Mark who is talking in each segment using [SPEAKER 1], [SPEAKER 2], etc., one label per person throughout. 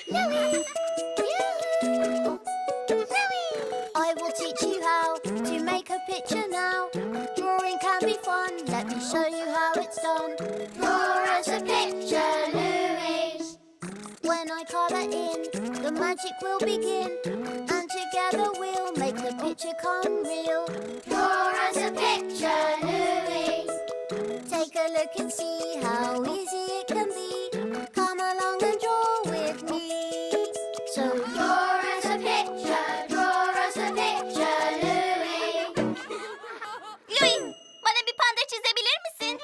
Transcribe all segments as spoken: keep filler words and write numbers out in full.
[SPEAKER 1] Louie! Yoo-hoo! Louie! I will teach you how to make a picture now. Drawing can be fun, let me show you how it's done. Draw us a picture, Louise. When I colour in, the magic will begin. And together we'll make the picture come real. Draw us a picture, Louise. Take a look and see how easy it can be. Come along and draw with me. So draw us a picture, draw us a picture, Louie.
[SPEAKER 2] Louie, bana bir panda çizebilir misin?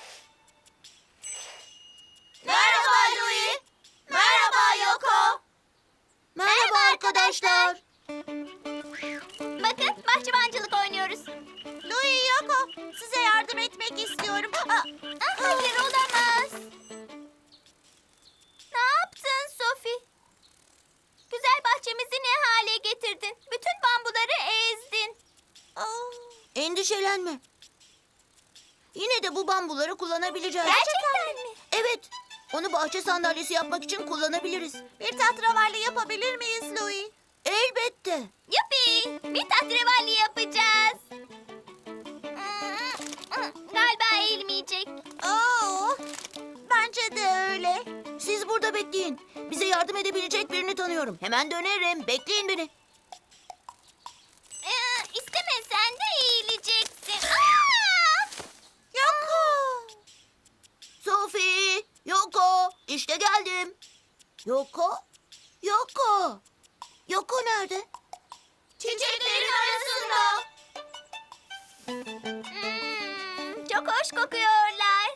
[SPEAKER 1] Merhaba Louie. Merhaba Yoko.
[SPEAKER 2] Merhaba arkadaşlar. Bakın, bahçıvancılık oynuyoruz.
[SPEAKER 3] Louie, Yoko, size yardım etmek istiyorum. Aa,
[SPEAKER 2] Ah, hayır, olamaz. Ne yaptın Sophie? Güzel bahçemizi ne hale getirdin? Bütün bambuları ezdin.
[SPEAKER 3] aa.
[SPEAKER 1] Endişelenme. Yine de bu bambuları kullanabileceğiz.
[SPEAKER 2] Gerçekten mi?
[SPEAKER 1] Evet. Onu bahçe sandalyesi yapmak için kullanabiliriz.
[SPEAKER 3] Bir tahterevalli yapabilir miyiz Louie?
[SPEAKER 1] Elbette.
[SPEAKER 2] Yuppi! Bir tahterevalli yapacağız. Galiba eğilmeyecek.
[SPEAKER 3] Oo, bence de öyle.
[SPEAKER 1] Siz burada bekleyin. Bize yardım edebilecek birini tanıyorum. Hemen dönerim. Bekleyin beni.
[SPEAKER 2] Ee, istemesen de eğileceksin. Aa!
[SPEAKER 3] Yoko.
[SPEAKER 1] Sophie, Yoko, işte geldim. Yoko, Yoko. Yoko nerede?
[SPEAKER 2] Çiçeklerin arasında. Hmm, çok hoş kokuyorlar.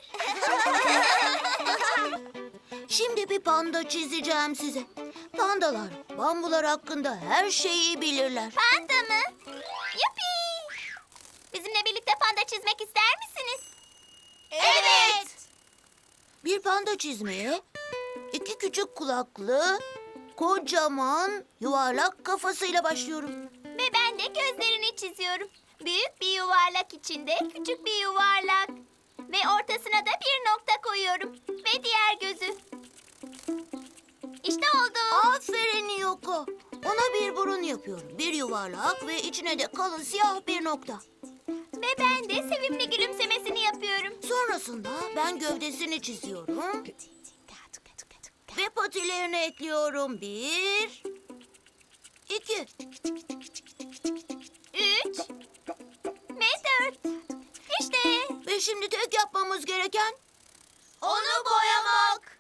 [SPEAKER 1] Şimdi bir panda çizeceğim size. Pandalar, bambular hakkında her şeyi bilirler.
[SPEAKER 2] Panda mı? Yuppi! Bizimle birlikte panda çizmek ister misiniz?
[SPEAKER 3] Evet.
[SPEAKER 1] Bir panda çizmeye iki küçük kulaklı, kocaman, yuvarlak kafasıyla başlıyorum.
[SPEAKER 2] Ve ben de gözlerini çiziyorum. Büyük bir yuvarlak içinde küçük bir yuvarlak. Ve ortasına da bir nokta koyuyorum. Ve diğer gözü. İşte oldu.
[SPEAKER 1] Aferin Yoko. Ona bir burun yapıyorum. Bir yuvarlak ve içine de kalın siyah bir nokta.
[SPEAKER 2] Ve ben de sevimli gülümsemesini yapıyorum.
[SPEAKER 1] Sonrasında ben gövdesini çiziyorum. Ve patilerini ekliyorum. Bir, iki.
[SPEAKER 2] Üç ve dört. İşte.
[SPEAKER 1] Ve şimdi tek yapmamız gereken
[SPEAKER 2] Onu boyamak.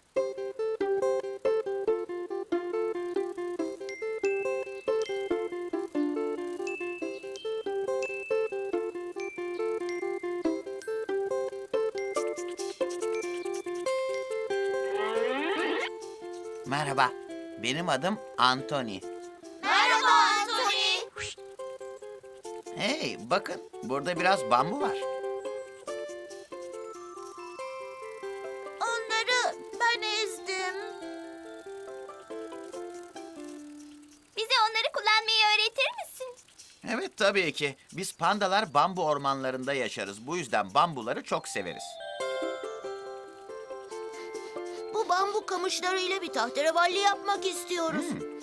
[SPEAKER 4] Merhaba, benim adım Anthony.
[SPEAKER 2] Merhaba Anthony.
[SPEAKER 4] Hey, bakın, burada biraz bambu var.
[SPEAKER 3] Onları ben ezdim.
[SPEAKER 2] Bize onları kullanmayı öğretir misin?
[SPEAKER 4] Evet, tabii ki. Biz pandalar bambu ormanlarında yaşarız. Bu yüzden bambuları çok severiz.
[SPEAKER 1] bu bambu kamışlarıyla bir tahterevalli yapmak istiyoruz.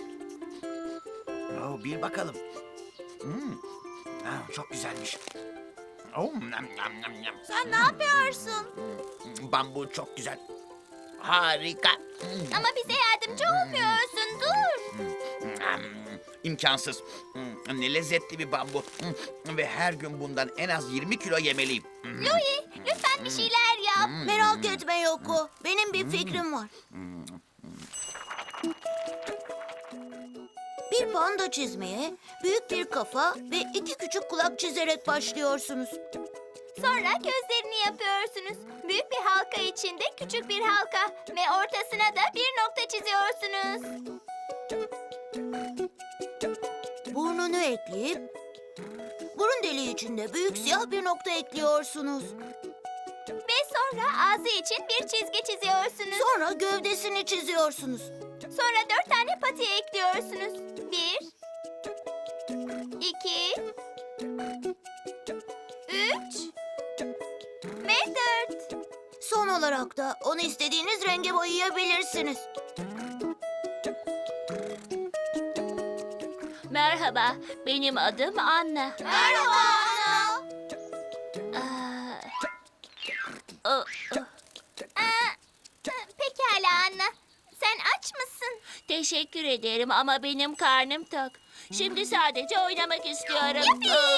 [SPEAKER 4] Oh, bir bakalım. Hmm. Ah, çok güzelmiş. Oh, nam, nam, nam, nam.
[SPEAKER 3] Sen ne yapıyorsun?
[SPEAKER 4] Bambu çok güzel. Harika. Hmm.
[SPEAKER 2] Ama bize yardımcı olmuyorsun. Dur.
[SPEAKER 4] Hmm, İmkansız. Hmm, Ne lezzetli bir bambu. Hmm, Ve her gün bundan en az yirmi kilo yemeliyim. Hmm.
[SPEAKER 2] Louie, lütfen bir şeyler yap.
[SPEAKER 1] Merak etme Yoko. Benim bir fikrim var. Bir panda çizmeye büyük bir kafa ve iki küçük kulak çizerek başlıyorsunuz.
[SPEAKER 2] Sonra gözlerini yapıyorsunuz. Büyük bir halka içinde küçük bir halka. Ve ortasına da bir nokta çiziyorsunuz.
[SPEAKER 1] Burnunu ekleyip burun deliği içinde büyük siyah bir nokta ekliyorsunuz.
[SPEAKER 2] Ve sonra ağzı için bir çizgi çiziyorsunuz.
[SPEAKER 1] Sonra gövdesini çiziyorsunuz.
[SPEAKER 2] Sonra dört tane pati ekliyorsunuz. Bir, iki, üç ve dört.
[SPEAKER 1] Son olarak da onu istediğiniz renge boyayabilirsiniz.
[SPEAKER 5] Merhaba, benim adım Anna.
[SPEAKER 3] Merhaba Anna.
[SPEAKER 5] Aa, o- o-
[SPEAKER 2] Aa, pekala Anna. Sen aç mısın?
[SPEAKER 5] Teşekkür ederim ama benim karnım tok. Şimdi sadece oynamak istiyorum.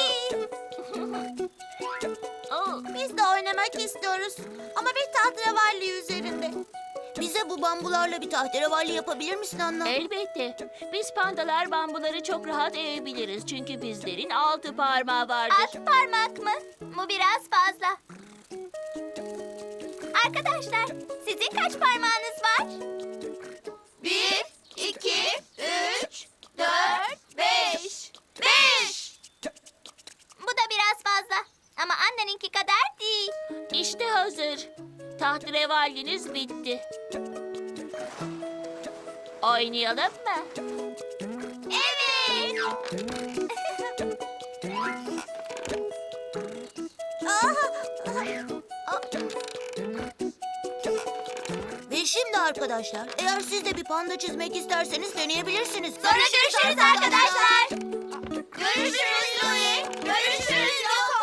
[SPEAKER 5] Oo,
[SPEAKER 3] Biz de oynamak istiyoruz. Ama bir tahterevalli üzerinde. Bize bu bambularla bir tahterevalli yapabilir misin Anna?
[SPEAKER 5] elbette. Biz pandalar bambuları çok rahat eğebiliriz. Çünkü bizlerin altı parmağı vardır.
[SPEAKER 2] Alt parmak mı? Bu biraz fazla. Arkadaşlar, sizin kaç parmağınız var?
[SPEAKER 3] Bir, iki, üç, dört, beş. Beş!
[SPEAKER 2] Bu da biraz fazla. Ama Anna'nınki kadar değil.
[SPEAKER 5] İşte hazır. Tahterevalliniz bitti. Oynayalım mı?
[SPEAKER 2] Evet.
[SPEAKER 3] Ve şimdi arkadaşlar, eğer siz de bir panda çizmek isterseniz deneyebilirsiniz.
[SPEAKER 2] Sonra görüşürüz arkadaşlar.
[SPEAKER 3] Görüşürüz Louie. Görüşürüz Yoko.